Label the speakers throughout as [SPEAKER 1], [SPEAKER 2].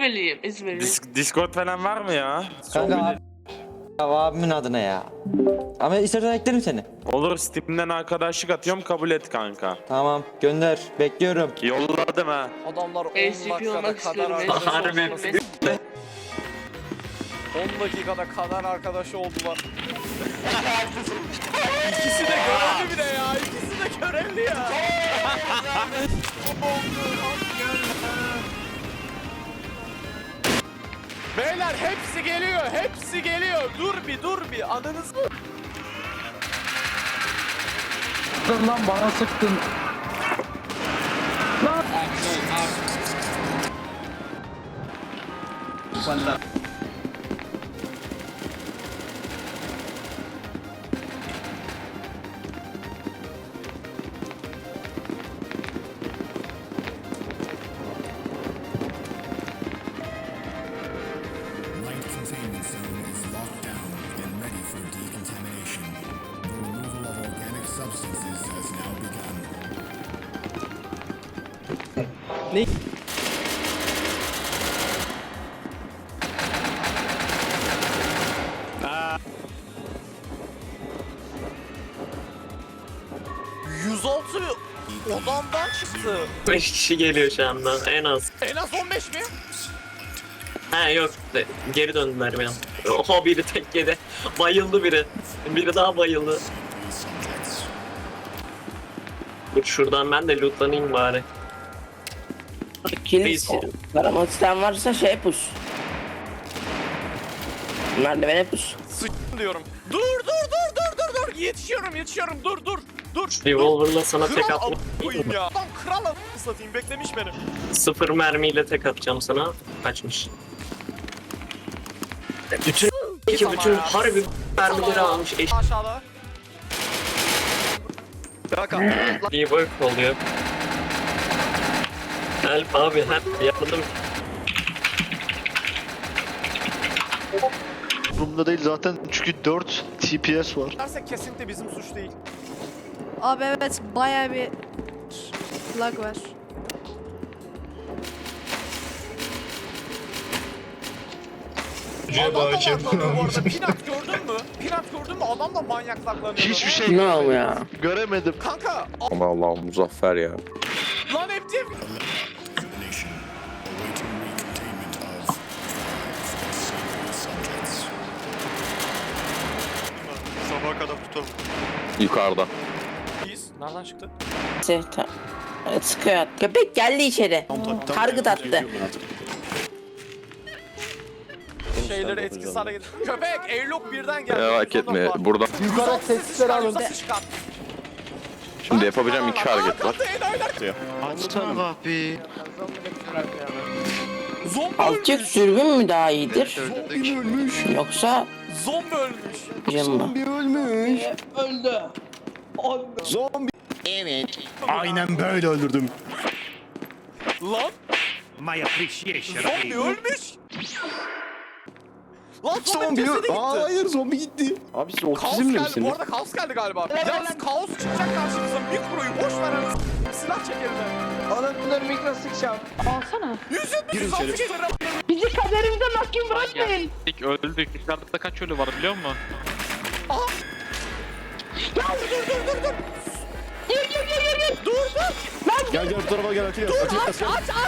[SPEAKER 1] İzmirliyim, İzmirliyim.
[SPEAKER 2] Discord falan var mı ya?
[SPEAKER 3] Kanka abimin adına ya. Ama istersen eklerim seni.
[SPEAKER 2] Olur, Steam'den arkadaşlık atıyorum, kabul et kanka.
[SPEAKER 3] Tamam gönder. Bekliyorum.
[SPEAKER 2] Yolladım ha.
[SPEAKER 4] Adamlar 10
[SPEAKER 1] ACP
[SPEAKER 4] dakikada
[SPEAKER 1] olmak
[SPEAKER 4] kadar
[SPEAKER 1] istiyorum.
[SPEAKER 4] arkadaş
[SPEAKER 5] Harbi.
[SPEAKER 4] oldular. 10 dakikada kadar arkadaş oldular. İkisi de görevli bile ya. İkisi de görevli ya. Beyler hepsi geliyor. Hepsi geliyor. Dur bir. Adınız mı?
[SPEAKER 6] Lan bana sıktın.
[SPEAKER 7] Light containment zone is locked down and ready for decontamination. The removal of organic substances has now begun.
[SPEAKER 4] Odamdan çıktı.
[SPEAKER 5] 5 kişi geliyor şu anda en az.
[SPEAKER 4] En az 15 mi?
[SPEAKER 5] Ha yok, geri döndüler benim. Oho, biri tek yedi. Bayıldı biri. Biri daha bayıldı. Dur şuradan ben de lootlanayım bari.
[SPEAKER 8] Kilis aramak isteyen varsa şey pus. Merdivene pus.
[SPEAKER 4] Sıçtım diyorum. Dur. Yetişiyorum. Dur.
[SPEAKER 5] Revolver'la sana tek
[SPEAKER 4] Kral
[SPEAKER 5] atma.
[SPEAKER 4] koyayım ya. Adam kral satayım beklemiş beni.
[SPEAKER 5] 0 mermiyle tek atacağım sana. Kaçmış. Bütün harbi mermileri almış.
[SPEAKER 4] Aşağıda.
[SPEAKER 5] İyi work oluyor. Help abi, help, yardım.
[SPEAKER 9] Durumda değil zaten çünkü 4 TPS var.
[SPEAKER 4] Dersek kesinlikle bizim suç değil.
[SPEAKER 10] Abi evet bayağı bir lag var.
[SPEAKER 4] Adam da laklanıyor bu arada. Pinat gördün mü? Adam da manyak laklanıyor.
[SPEAKER 9] Hiçbir şey
[SPEAKER 8] Ne oldu ya?
[SPEAKER 9] göremedim.
[SPEAKER 4] Kanka.
[SPEAKER 2] Aman Allah'ım, Muzaffer ya.
[SPEAKER 4] Lan hepsi.
[SPEAKER 7] Examination. Awaiting recontainment of subjects.
[SPEAKER 9] Sabaha kadar tutalım.
[SPEAKER 2] Yukarıda.
[SPEAKER 4] Biz. Nereden çıktı?
[SPEAKER 8] Sıkıyor. Köpek geldi içeri. Target attı.
[SPEAKER 4] Şeyleri etkisiz hale getir. Köpek airlock birden geldi.
[SPEAKER 2] Merak etme, burada
[SPEAKER 4] Yukarı sesleri alın.
[SPEAKER 2] şimdi yapabileceğim iki hareket var.
[SPEAKER 9] Açsana kapıyı.
[SPEAKER 4] Zombi
[SPEAKER 8] Alçak
[SPEAKER 4] ölmüş.
[SPEAKER 8] dürbün mü daha iyidir?
[SPEAKER 4] Zombi ölmüş.
[SPEAKER 8] Yoksa
[SPEAKER 4] Zombi ölmüş.
[SPEAKER 8] cım mı?
[SPEAKER 9] Aynen böyle öldürdüm.
[SPEAKER 4] Lan. Zombi ölmüş. Lan zombi cesedi gitti.
[SPEAKER 9] Hayır zombi gitti.
[SPEAKER 2] Abi siz
[SPEAKER 4] Kaos geldi. Bu arada kaos geldi galiba. Yalnız kaos çıkacak karşımıza. Mikroyu boş ver anasını. Silah çek elinden.
[SPEAKER 10] Anahtarları mikro sıkacağım. Alsana.
[SPEAKER 4] 100 geçer.
[SPEAKER 10] Bizi kaderimize mahkum bırakmayın.
[SPEAKER 6] Öldük. Yukarıda kaç ölü var biliyor musun?
[SPEAKER 4] Dur.
[SPEAKER 9] Gel bu tarafa gel Atilla.
[SPEAKER 4] Aç.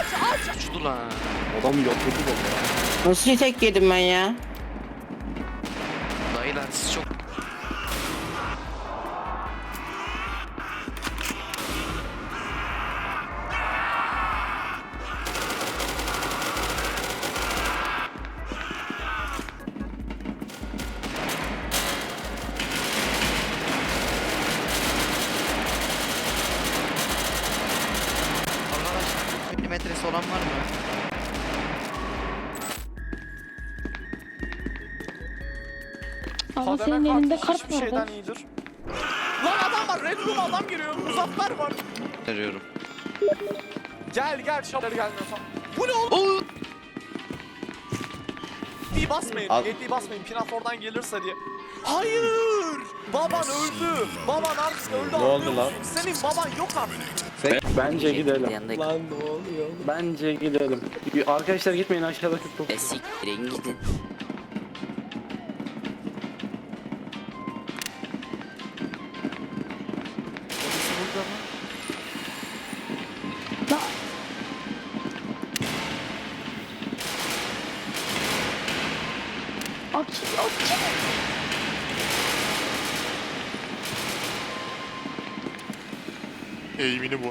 [SPEAKER 9] Adam yatırdı baba.
[SPEAKER 8] Nasıl tek yedim ben ya?
[SPEAKER 5] Dayılar siz çok...
[SPEAKER 3] Milimetresi olan var mı?
[SPEAKER 10] Ama
[SPEAKER 4] Kademe
[SPEAKER 10] senin elinde
[SPEAKER 4] kart
[SPEAKER 10] kart
[SPEAKER 4] hiçbir
[SPEAKER 10] var
[SPEAKER 4] şeyden
[SPEAKER 10] bak.
[SPEAKER 4] iyidir. Lan adam var. Red Room adam giriyor. Muzaffer var.
[SPEAKER 3] Veriyorum.
[SPEAKER 4] Gel şapları gelmiyorsan. Bu ne oğlum? Yettiği basmayın. Pinat oradan gelirse diye. Hayır! Baban öldü. Baban artık öldü. Ne oldu lan? Senin baban yok artık.
[SPEAKER 6] Bence gidelim.
[SPEAKER 8] Yanındaki
[SPEAKER 3] Lan ne oluyor?
[SPEAKER 6] Bence gidelim. Arkadaşlar gitmeyin aşağıda çok.
[SPEAKER 8] siktirin gidin.
[SPEAKER 4] Eğimini bu.